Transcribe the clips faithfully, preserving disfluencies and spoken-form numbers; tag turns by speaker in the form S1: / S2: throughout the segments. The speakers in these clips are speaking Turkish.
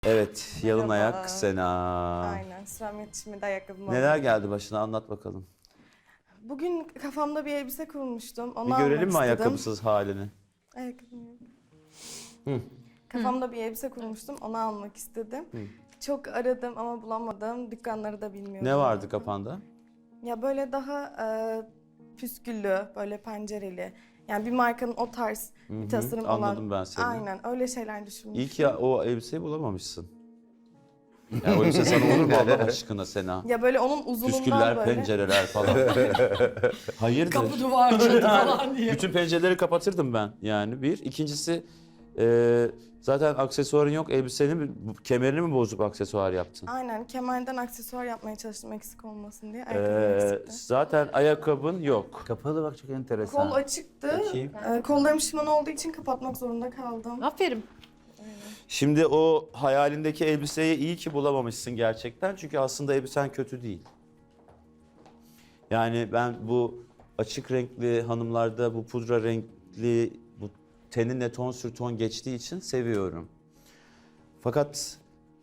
S1: Evet, yalın
S2: Merhaba.
S1: ayak Sena.
S2: Aynen, sıram yetişmedi ayakkabım.
S1: Neler
S2: oldu.
S1: geldi başına anlat bakalım.
S2: Bugün kafamda bir elbise kurmuştum. Onu
S1: Bir görelim
S2: almak
S1: mi
S2: istedim.
S1: ayakkabısız halini?
S2: Ayakkabım yok.
S1: Hı.
S2: Kafamda bir elbise kurmuştum, onu almak istedim.
S1: Hı.
S2: Çok aradım ama bulamadım. Dükkanları da bilmiyorum.
S1: Ne vardı kafanda?
S2: Ya böyle daha e, püsküllü, böyle pencereli. Yani bir markanın o tarz
S1: Hı hı,
S2: bir tasarım olan.
S1: anladım ben seni.
S2: Aynen, öyle şeyler düşünmüştüm.
S1: İyi ki ya o elbiseyi bulamamışsın. Ya o elbise sana olur mu Allah aşkına Sena?
S2: Ya böyle onun uzunluğundan
S1: Püsküller,
S2: böyle.
S1: pencereler falan. Hayırdır?
S3: Kapı duvar çatı falan diye.
S1: Bütün pencereleri kapatırdım ben yani bir. İkincisi e, zaten aksesuarın yok. Elbisenin mi, bu- kemerini mi bozup aksesuar yaptın?
S2: Aynen, kemerden aksesuar yapmaya çalıştım eksik olmasın diye. Ayakkabım
S1: Ee,
S2: eksikti.
S1: zaten ayakkabın yok.
S4: Kapalı bak çok enteresan.
S2: Kol açıktı.
S1: Bakayım.
S2: Ee, kollarım şişman olduğu için kapatmak zorunda kaldım.
S3: Aferin.
S1: Şimdi o hayalindeki elbiseyi iyi ki bulamamışsın gerçekten. Çünkü aslında elbisen kötü değil. Yani ben bu açık renkli hanımlarda bu pudra renkli, bu teninle ton sür ton geçtiği için seviyorum. Fakat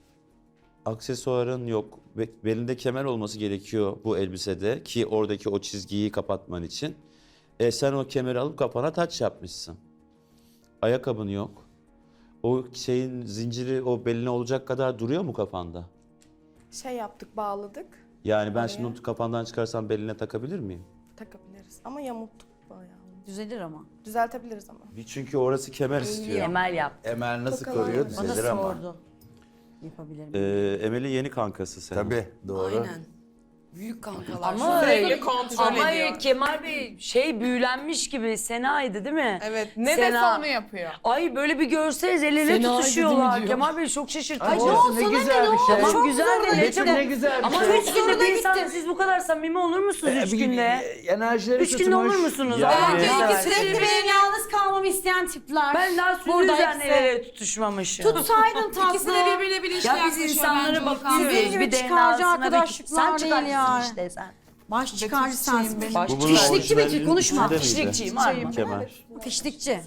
S1: aksesuarın yok. Be- Belinde kemer olması gerekiyor bu elbisede ki oradaki o çizgiyi kapatman için. E sen o kemeri alıp kafana taç yapmışsın. Ayakkabın yok. O şeyin zinciri o beline olacak kadar duruyor mu kafanda?
S2: Şey yaptık, bağladık.
S1: Yani ben
S2: Oraya.
S1: şimdi onu kafandan çıkarsam beline takabilir miyim?
S2: Takabiliriz ama yamulttuk bayağı.
S3: Düzelir ama.
S2: Düzeltebiliriz ama.
S1: Bir çünkü orası kemer istiyor.
S3: Emel yap.
S4: Emel nasıl
S2: Tokalar
S4: koruyor?
S2: var.
S3: Bana
S4: Düzelir ama.
S3: sordu. Yapabilir miyim?
S1: Ee, Emel'in yeni kankası sen.
S4: Tabii doğru.
S3: Aynen. Büyük kankalar.
S5: Ama,
S3: Sürekli kontrol
S5: ama
S3: ediyor.
S5: Kemal Bey şey büyülenmiş gibi Sena'ydı değil mi?
S6: Evet, ne
S5: Sena.
S6: dese onu yapıyor.
S5: Ay böyle bir görseniz el ele
S3: Sena'ydı değil mi
S5: tutuşuyorlar.
S3: diyor?
S5: Kemal Bey çok şaşırtıcı.
S4: Ay canım, ne güzel bir şey.
S5: Tamam güzel de ne
S4: Betül ne
S5: çabuk.
S4: güzel bir
S5: Ama
S4: şey.
S5: üç günde bir insan siz bu kadar samimi olur musunuz
S4: Ee,
S5: üç
S4: bir-
S5: günde?
S4: bir- Enerjileri
S5: Üç günde
S4: tutmuş.
S5: olur musunuz?
S1: Yani-
S5: Allah'ını
S1: Evet.
S5: seversen.
S3: Sürekli benim yalnız kalmamı isteyen tipler.
S5: Ben daha sürü
S3: Burada
S5: üzerine
S3: hepsi-
S5: el ele tutuşmamışım.
S3: Tutsaydın tatlı.
S6: İkisi de birbirine bilinçli
S5: Ya biz
S6: yaklaşıyor
S5: insanlara
S6: bence.
S5: bakıyoruz.
S3: Sizin gibi
S5: Bir
S3: çıkarcı
S5: D N A'sına
S3: arkadaşlıklar
S5: sen
S3: değil
S5: çıkarcısın
S3: yani.
S5: işte sen.
S3: Baş çıkarcı sensin benim.
S5: Baş
S1: Bu bunun
S5: çıkarcı.
S3: Fişlikçi Betül,
S1: orijinalinin
S3: konuşma.
S1: içinde miydi?
S5: Fişlikçiyim, aynen.
S1: Kemer.
S3: Fişlikçi.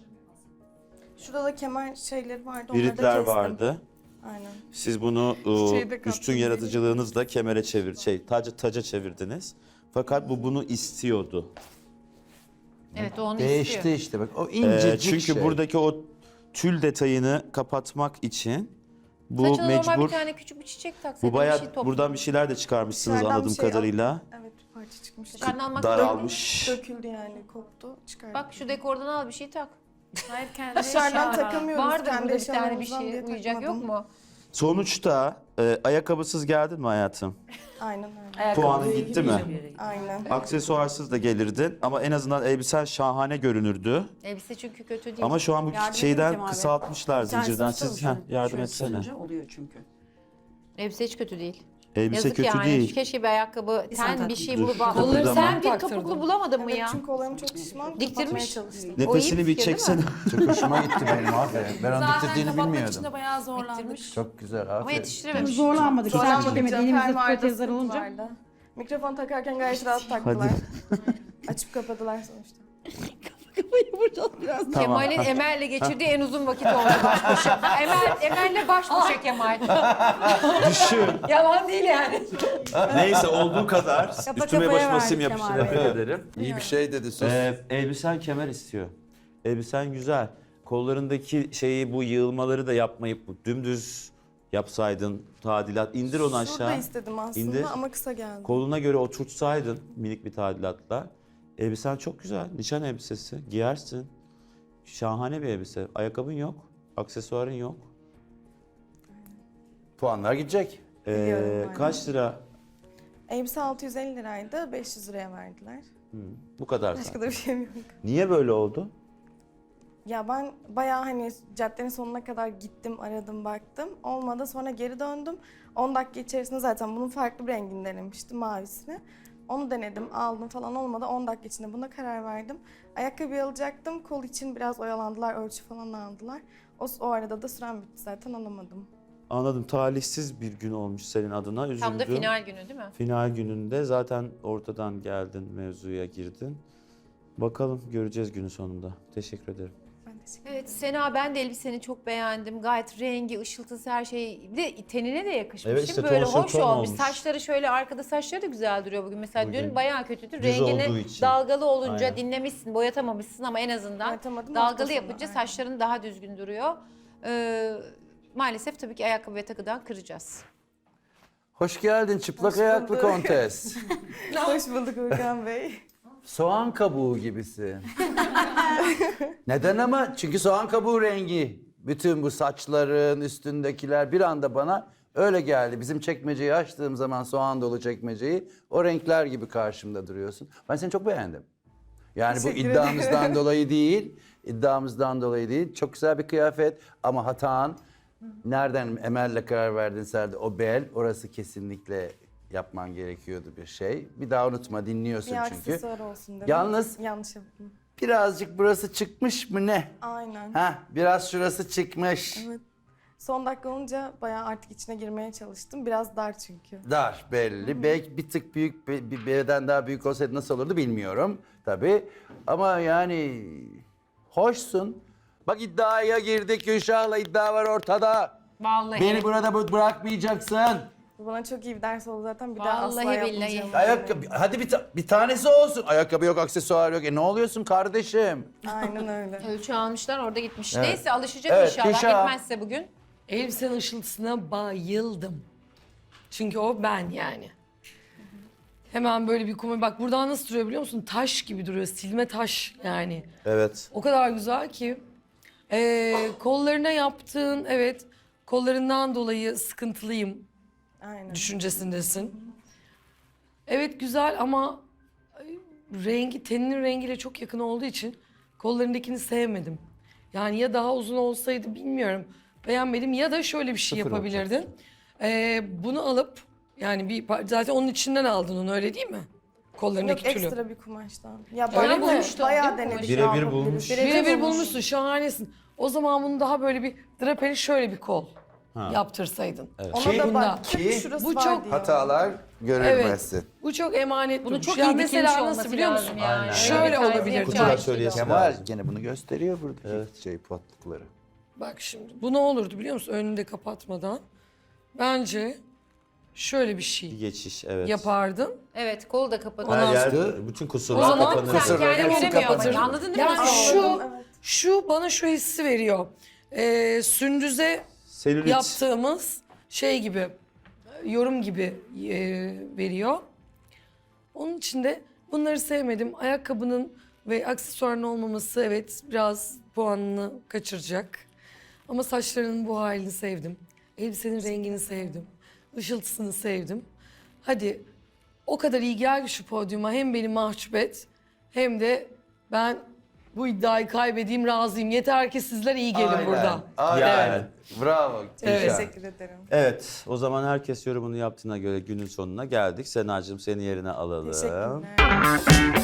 S2: Şurada da kemer şeyleri vardı. Onları da
S1: Biritler
S2: kestim.
S1: vardı.
S2: Aynen.
S1: Siz bunu e,
S6: Çiçeği de
S1: üstün
S6: kaptım.
S1: yaratıcılığınızla kemere çevir, şey taca, taca çevirdiniz. Fakat bu bunu istiyordu.
S6: Evet, o onu
S4: Değişti
S6: istiyor.
S4: işte bak o
S1: Ee,
S4: incecik
S1: çünkü
S4: şey.
S1: buradaki o tül detayını kapatmak için bu
S6: Saçına normal
S1: mecbur.
S6: bir tane küçük bir çiçek
S1: Bu
S6: taksaydın
S1: bayağı
S6: bir şey topla.
S1: buradan bir şeyler de çıkarmışsınız
S2: Dışarıdan
S1: anladığım
S2: bir şey al-
S1: kadarıyla.
S2: Evet, bir parça çıkmıştı.
S6: Dışarıdan almak
S1: Daralmış.
S2: Döküldü yani, koptu. Çıkardım.
S6: Bak şu dekordan al bir şey tak. Hayır kendine
S2: Dışarıdan
S6: eşya.
S2: takamıyoruz,
S6: Vardır
S2: kendi
S6: burada bir tane bir
S2: eşyalarımızdan
S6: şey
S2: diye
S6: uyuyacak yok
S2: takmadım.
S6: mu?
S1: Sonuçta e, ayakkabısız geldin mi hayatım?
S2: Aynen öyle.
S5: Ayakkabı
S1: Puanın
S5: giy-
S1: gitti mi?
S2: Aynen.
S1: Aksesuarsız da gelirdin ama en azından elbisen şahane görünürdü.
S6: Elbise çünkü kötü değil.
S1: Ama şu an bu
S3: Yardım edin
S1: şeyden
S3: Kemal Bey.
S1: kısaltmışlar zincirden. Siz heh, yardım
S3: Şöyle
S1: etsene.
S3: tutunca oluyor çünkü.
S6: Elbise hiç kötü değil.
S1: Elbise
S6: Yazık
S1: kötü
S6: yani.
S1: değil.
S6: Keşke bir ayakkabı,
S3: sen
S6: ten bir
S3: taktın.
S6: şey
S1: Dur,
S6: bulup
S1: kıpırdama.
S6: alırsan. Sen bir
S3: Taktırdın.
S6: topuklu bulamadın mı
S2: Evet,
S6: ya?
S2: çünkü kollarım çok şişman. Kapatmaya
S6: Diktirmiş.
S2: çalıştım.
S6: O iyi
S1: Nefesini bir
S6: fikir değil mi?
S1: çeksene.
S4: Çok hoşuma gitti benim aferin. Ben onu diktirdiğini bilmiyordum.
S7: bayağı zorlandık.
S6: Diktirmiş.
S4: Çok güzel
S6: Ama
S4: aferin.
S6: yetiştirememiş.
S7: Zorlanmadık. Sadece
S2: Zorlanmadık
S7: demedi.
S2: canım,
S7: Elimizde
S2: fermuarda
S7: protezler
S2: sıkıntı
S7: olunca.
S2: vardı. Mikrofon takarken gayet rahat taktılar. Açıp kapadılar sonuçta.
S1: Tamam.
S6: Kemal'in Emel'le geçirdiği en uzun vakit oldu baş başa. Emel, Emel'le baş başa Kemal.
S1: Düşün.
S6: Yalan değil yani.
S1: Neyse olduğu kadar. Üstüme
S7: kafaya
S1: başıma sim
S7: verdik
S1: yapıştı.
S7: Kemal Bey.
S1: Tebrik ederim.
S4: İyi bir şey dedi sus.
S1: Ee, elbisen kemer istiyor. Elbisen güzel. Kollarındaki şeyi bu yığılmaları da yapmayıp bu dümdüz yapsaydın tadilat. İndir onu
S2: Şurada
S1: aşağı.
S2: istedim aslında
S1: İndir.
S2: ama kısa geldi.
S1: Koluna göre oturtsaydın minik bir tadilatla. Elbisen çok güzel. Nişan elbisesi. Giyersin. Şahane bir elbise. Ayakkabın yok. Aksesuarın yok.
S4: Puanlar gidecek.
S1: Ee,
S2: Biliyorum, aynen.
S1: kaç lira?
S2: Elbise altı yüz elli liraydı, beş yüz liraya verdiler.
S1: Bu kadar
S2: Başka
S1: zaten.
S2: da bir şeyim yok.
S1: Niye böyle oldu?
S2: Ya ben bayağı hani caddenin sonuna kadar gittim, aradım, baktım. Olmadı, sonra geri döndüm. on dakika içerisinde zaten bunun farklı bir rengini denemiştim, mavisini. Onu denedim, aldım falan, olmadı. on dakika içinde buna karar verdim. Ayakkabı alacaktım, kol için biraz oyalandılar, ölçü falan aldılar. O, o arada da sürem bitti zaten, alamadım.
S1: Anladım. Talihsiz bir gün olmuş senin adına. Üzüldüm.
S6: Tam da final günü değil mi?
S1: Final gününde zaten ortadan geldin, mevzuya girdin. Bakalım göreceğiz günün sonunda. Teşekkür ederim.
S2: Ben
S6: Evet Sena, ben de elbiseni çok beğendim. Gayet rengi, ışıltısı, her şey. Bir de tenine de yakışmış.
S1: Evet, işte
S6: değil mi? Böyle
S1: tonsu
S6: hoş
S1: ton
S6: olmuş.
S1: olmuş.
S6: Saçları şöyle arkada, saçları da güzel duruyor bugün. Mesela
S1: Bugün
S6: dün bayağı kötüydü.
S1: düz olduğu
S6: Rengini
S1: için.
S6: dalgalı olunca
S1: Aynen.
S6: dinlemişsin, boyatamamışsın ama en azından
S2: Boyatamadım, hafta
S6: dalgalı
S2: sonu,
S6: yapınca
S2: aynen.
S6: saçların daha düzgün duruyor. Ee, maalesef tabii ki ayakkabı ve takıdan kıracağız.
S4: Hoş geldin çıplak
S2: Hoş
S4: ayaklı
S2: bulduk.
S4: kontes.
S2: Hoş bulduk Urkan Bey.
S4: Soğan kabuğu gibisi. Neden ama? Çünkü soğan kabuğu rengi. Bütün bu saçların üstündekiler bir anda bana öyle geldi. Bizim çekmeceyi açtığım zaman, soğan dolu çekmeceyi, o renkler gibi karşımda duruyorsun. Ben seni çok beğendim. Yani bu
S2: Teşekkür
S4: iddiamızdan
S2: ederim.
S4: dolayı değil, iddiamızdan dolayı değil. Çok güzel bir kıyafet ama hatan nereden Emel'le karar verdin Serde? O bel, orası kesinlikle yapman gerekiyordu bir şey. Bir daha unutma, dinliyorsun
S2: Bir
S4: çünkü.
S2: aksesuar olsun dedim.
S4: Yalnız-
S2: Yanlış yaptım.
S4: Birazcık burası çıkmış mı ne?
S2: Aynen.
S4: Heh, biraz şurası çıkmış.
S2: Evet. Son dakika olunca bayağı artık içine girmeye çalıştım. Biraz dar çünkü.
S4: Dar belli. Belki bir tık büyük, bir bir beden daha büyük olsaydı nasıl olurdu bilmiyorum tabii. Ama yani hoşsun. Bak iddiaya girdik, Gülşah'la iddia var ortada.
S6: Vallahi.
S4: Beni burada bı- bırakmayacaksın.
S2: Bu bana çok iyi bir ders oldu zaten. Bir daha asla
S6: Vallahi billahi.
S2: yapmayacağım.
S4: Ayakkabı, hadi bir, ta- bir tanesi olsun. Ayakkabı yok, aksesuar yok. E ne oluyorsun kardeşim?
S2: Aynen öyle.
S6: Ölçü almışlar, orada gitmiş.
S4: Evet.
S6: Neyse alışacak
S4: Evet,
S6: inşallah.
S4: Gülşah.
S6: Etmezse bugün.
S7: Elbisenin ışıltısına bayıldım. Çünkü o ben yani. Hemen böyle bir kumaş. Bak buradan nasıl duruyor biliyor musun? Taş gibi duruyor. Silme taş yani.
S1: Evet.
S7: O kadar güzel ki. Ee, kollarına yaptığın, evet, kollarından dolayı sıkıntılıyım
S2: Aynen.
S7: düşüncesindesin. Evet güzel ama ay, rengi, teninin rengiyle çok yakın olduğu için kollarındakini sevmedim. Yani ya daha uzun olsaydı bilmiyorum. Beğenmedim ya da şöyle bir şey
S4: Sıfır
S7: yapabilirdin. Ee, bunu alıp yani bir par- zaten onun içinden aldın onu, öyle değil mi? Kollarındaki
S2: Yok
S7: tülü.
S2: ekstra bir kumaştan. Ya
S7: Öyle
S2: bayağı
S7: mi?
S6: Bulmuştum,
S2: bayağı
S6: değil mi
S2: denedik.
S1: Birebir
S2: ne yapabiliriz.
S1: bulmuş.
S7: Birebir
S2: bulmuş.
S7: bulmuşsun, şahanesin. O zaman bunu daha böyle bir drapeli şöyle bir kol yaptırsaydın.
S2: Ona da
S7: Bunda.
S2: bak.
S4: Ki
S2: Ki şurası
S7: bu
S2: var
S7: çok
S2: diyor.
S4: Hatalar görülmezsin.
S7: Bu çok emanet
S6: Bunu
S7: durmuş.
S6: çok
S7: Ya
S6: iyi dikilmiş
S7: mesela
S6: olması
S7: nasıl biliyor musun?
S6: lazım yani. Öyle
S7: Şöyle
S6: bir terzi
S7: olabilir.
S6: yapacağı
S1: Kutular
S6: şey
S1: söyleyesi
S6: yok.
S4: Kemal
S1: lazım.
S4: gene bunu gösteriyor buradaki şey patlıkları.
S7: Bak şimdi bu ne olurdu biliyor musun? Önünü de kapatmadan. Bence şöyle bir
S1: Bir
S7: şey
S1: geçiş, evet.
S7: yapardın.
S6: Evet, kolu da kapadı.
S1: Her yer,
S4: Astı.
S1: bütün
S7: O
S1: kusurlar
S7: zaman
S1: kapanır.
S6: Sen
S4: Kusur-
S6: kendini
S4: hepsi
S6: göremiyor ama.
S4: kapatır.
S6: Anladın değil mi?
S7: Yani
S6: nasıl
S7: şu,
S6: olduğunu?
S2: Evet.
S7: şu bana şu hissi veriyor. Ee, Sündüz'e
S1: Selülit.
S7: yaptığımız şey gibi, yorum gibi e, veriyor. Onun için de bunları sevmedim. Ayakkabının ve aksesuarın olmaması evet biraz puanını kaçıracak. Ama saçlarının bu halini sevdim. Elbisenin rengini sevdim. Işıltısını sevdim. Hadi o kadar iyi gel şu podyuma, hem beni mahcup et hem de ben bu iddiayı kaybedeyim, razıyım. Yeter ki sizler iyi gelin
S4: Aynen,
S7: burada.
S4: Aynen.
S1: Yani.
S4: Bravo.
S7: Evet.
S4: Gülşah.
S2: Teşekkür ederim.
S1: Evet, o zaman herkes yorumunu yaptığına göre günün sonuna geldik. Senacığım seni yerine alalım.
S2: Teşekkürler.